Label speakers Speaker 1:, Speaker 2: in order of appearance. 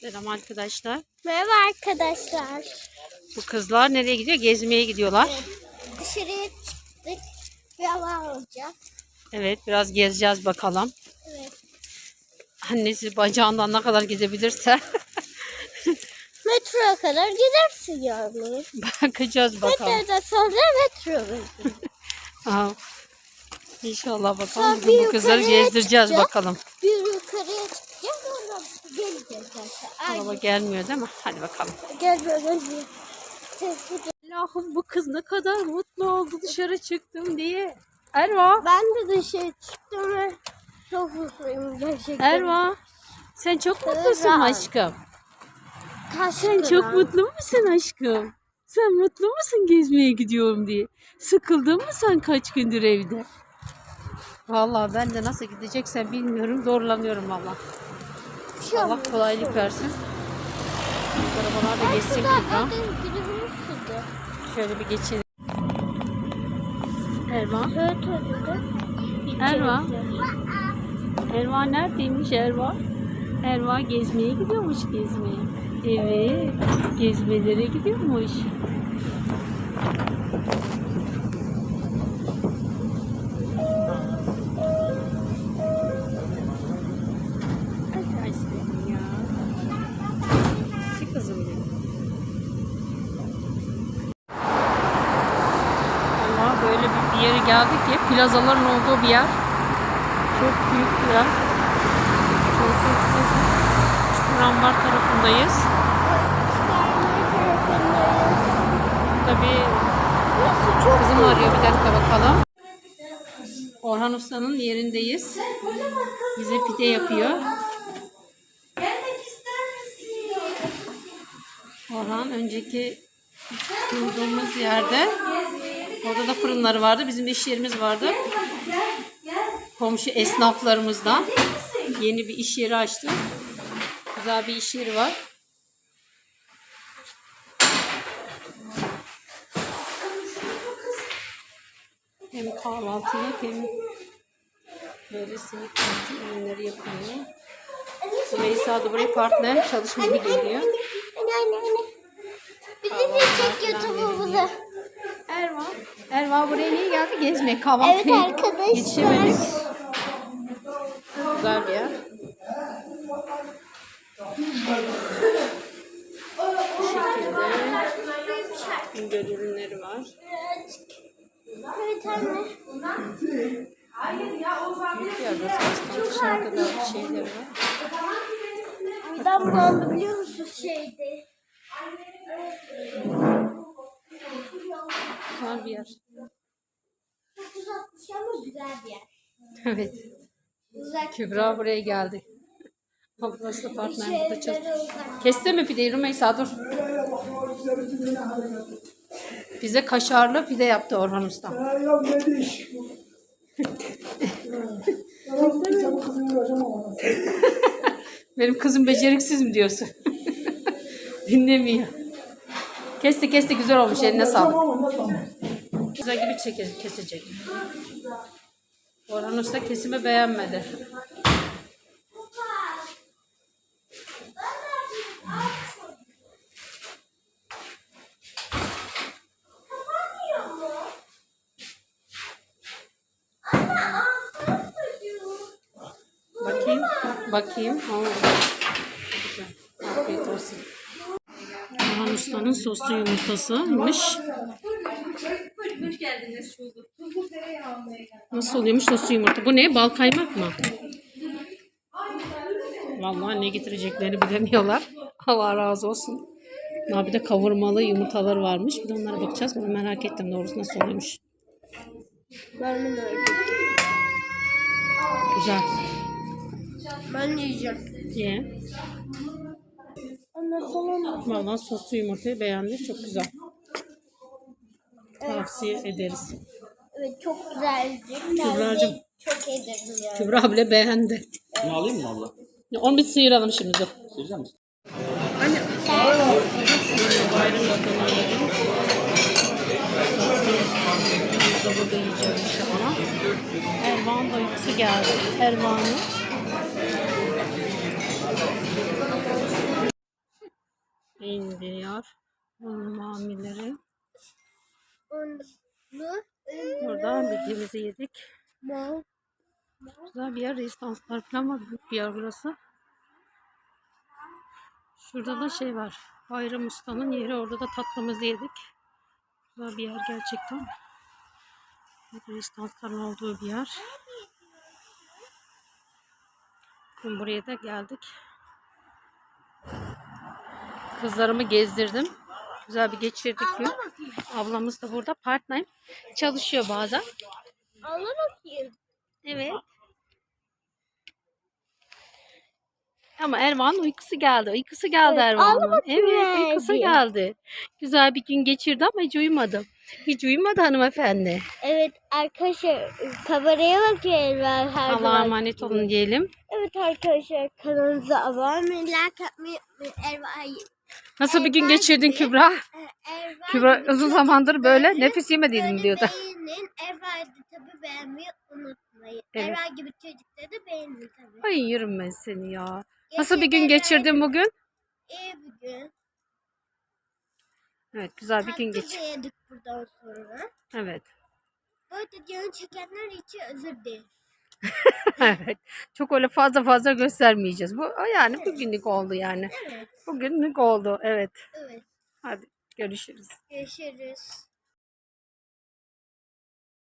Speaker 1: Selam arkadaşlar.
Speaker 2: Merhaba arkadaşlar.
Speaker 1: Bu kızlar nereye gidiyor? Gezmeye gidiyorlar.
Speaker 2: Evet, dışarıya çıktık. Bir hava alacağız.
Speaker 1: Evet, biraz gezeceğiz bakalım.
Speaker 2: Evet.
Speaker 1: Annesi bacağından ne kadar gidebilirse
Speaker 2: Metroya kadar gidersin yani.
Speaker 1: bakacağız bakalım.
Speaker 2: Metrodan sonra metro.
Speaker 1: Aa, İnşallah bakalım.
Speaker 2: Sonra
Speaker 1: Bugün
Speaker 2: bir
Speaker 1: bu kızları
Speaker 2: yukarıya
Speaker 1: gezdireceğiz
Speaker 2: çıkacağız.
Speaker 1: bakalım.
Speaker 2: Bir yukarıya çıkacağız. Oradan geleceğiz zaten.
Speaker 1: Araba gelmiyor değil mi? Hadi bakalım.
Speaker 2: Gelmiyor.
Speaker 1: Allah'ım bu kız ne kadar mutlu oldu dışarı çıktım diye. Erva.
Speaker 2: Ben de dışarı çıktım ve çok mutluyum gerçekten.
Speaker 1: Erva. Sen çok mutlusun
Speaker 2: Erva.
Speaker 1: aşkım. Sen
Speaker 2: Kaç
Speaker 1: çok mutlu musun aşkım? Sen mutlu musun gezmeye gidiyorum diye? Sıkıldın mı sen kaç gündür evde? Vallahi ben de nasıl gideceksen bilmiyorum. Zorlanıyorum valla. Allah kolaylık versin. Arabalar da geçsin Kübra. Şöyle bir geçelim. Erva. Erva. Erva neredeymiş Erva? Erva gezmeye gidiyormuş gezmeye. Evet. Gezmelere gidiyormuş. Ay senin ya. Çık kızım benim. Allah böyle bir yere geldik ki plazaların olduğu bir yer. Çok büyük bir yer. Çok büyük bir yer. Çukurambar tarafındayız. Tabii kızım arıyor, bir dakika bakalım. Orhan Usta'nın yerindeyiz. Bize pide yapıyor. Orhan önceki durduğumuz yerde, orada da fırınları vardı. Bizim de iş yerimiz vardı. Komşu esnaflarımızdan yeni bir iş yeri açtı. Güzel bir iş yeri var. Hem kahvaltılık hem böyle simit ürünleri yapılıyor. Rümeysa da buraya partner çalışmaya geliyor.
Speaker 2: Bizi de çek YouTube'umuza.
Speaker 1: Erva buraya niye geldi? Gezmeye, kahvaltıya.
Speaker 2: Evet arkadaşlar.
Speaker 1: Yetişemedik. Güzel bir yer. Bu şekilde güncel ürünleri var.
Speaker 2: Evet anne.
Speaker 1: Büyük bir yerde dışarı kadar bir şeyler var.
Speaker 2: Midem bulandı biliyor musun şeyde?
Speaker 1: Güzel bir yer.
Speaker 2: 360 ama güzel bir yer.
Speaker 1: Evet.
Speaker 2: Uzak.
Speaker 1: Kübra buraya geldi. Ablası da partner burada çalışıyor.
Speaker 2: Uzak.
Speaker 1: Kesti mi pideyi Rümeysa? Dur. Bize kaşarlı pide yaptı Orhan Usta. Benim kızım beceriksiz mi diyorsun? Dinlemiyor. Kesti güzel olmuş, eline sağlık. Güzel gibi kesecek. Orhan Usta kesimi beğenmedi. Bakayım. Oo. Güzel. Afiyet olsun. Orhan Usta'nın soslu yumurtasıymış.
Speaker 3: Hoş geldiniz. Tuzlu tereyağı almaya geldim.
Speaker 1: Nasıl oluyormuş soslu yumurta? Bu ne? Bal kaymak mı? Vallahi ne getireceklerini bilemiyorlar. Allah razı olsun. Daha bir de kavurmalı yumurtalar varmış. Bir de onlara bakacağız. Ben merak ettim doğrusu nasıl oluyormuş.
Speaker 2: Ben de öyle.
Speaker 1: Güzel.
Speaker 2: Ben de yiyeceğim.
Speaker 1: Ye.
Speaker 2: Anne falan.
Speaker 1: Vallahi soslu yumurtayı beğendim. Çok güzel. Tavsiye ederiz.
Speaker 2: Evet çok güzeldi.
Speaker 1: Kübra'cığım.
Speaker 2: Çok ederim ya.
Speaker 1: Kübra bile beğendi.
Speaker 4: Bunu alayım mı abla?
Speaker 1: Onu bir sıyıralım şimdi. Dur.
Speaker 4: Sıyıracak mısın?
Speaker 1: Burada yiyeceğiz inşallah. Ervan da uykusu geldi. Ervan'ı indiriyor. Bunun mamileri.
Speaker 2: Onu.
Speaker 1: Burada midemizi yedik.
Speaker 2: Mor.
Speaker 1: Güzel bir yer. Rezidanslar falan var. Büyük bir yer burası. Şurada da şey var. Bayram Usta'nın yeri. Orada da tatlımızı yedik. Güzel bir yer gerçekten. Rezidansların olduğu bir yer. Bugün buraya da geldik. Kızlarımı gezdirdim. Güzel bir geçirdik gün. Ablamız da burada part-time çalışıyor bazen.
Speaker 2: Allah bakayım.
Speaker 1: Evet. Ama Ervan'ın uykusu geldi. Uykusu geldi
Speaker 2: Evet,
Speaker 1: Ervan'ın.
Speaker 2: ağla bakayım
Speaker 1: Evet, uykusu
Speaker 2: hadi.
Speaker 1: geldi. Güzel bir gün geçirdi ama hiç uyumadı. Hiç uyumadı hanımefendi.
Speaker 2: Evet arkadaşlar kameraya bakıyorum ben her
Speaker 1: Allah'a
Speaker 2: zaman.
Speaker 1: emanet olun diyelim.
Speaker 2: Evet arkadaşlar kanalımıza abone olmayı, like atmayı unutmayın.
Speaker 1: Nasıl bir gün geçirdin Kübra? Kübra uzun zamandır böyle nefes yemediydim diyordu.
Speaker 2: Beğenin. Erva'yı da tabii beğenmeyi unutmayın.
Speaker 1: Evet.
Speaker 2: Erva gibi çocukları da beğenin tabii.
Speaker 1: Ay yerim ben seni ya. Nasıl bir gün geçirdin bugün?
Speaker 2: İyi bir gün.
Speaker 1: Evet, güzel bir gün
Speaker 2: Tatlı
Speaker 1: geç.
Speaker 2: da yedik buradan sonra.
Speaker 1: Evet.
Speaker 2: Bu arada canı çekenler için özür dilerim.
Speaker 1: Evet. Çok öyle fazla göstermeyeceğiz. Bu yani bugünlük oldu yani.
Speaker 2: Evet.
Speaker 1: Bugünlük oldu. Evet.
Speaker 2: Evet.
Speaker 1: Hadi görüşürüz.
Speaker 2: Görüşürüz.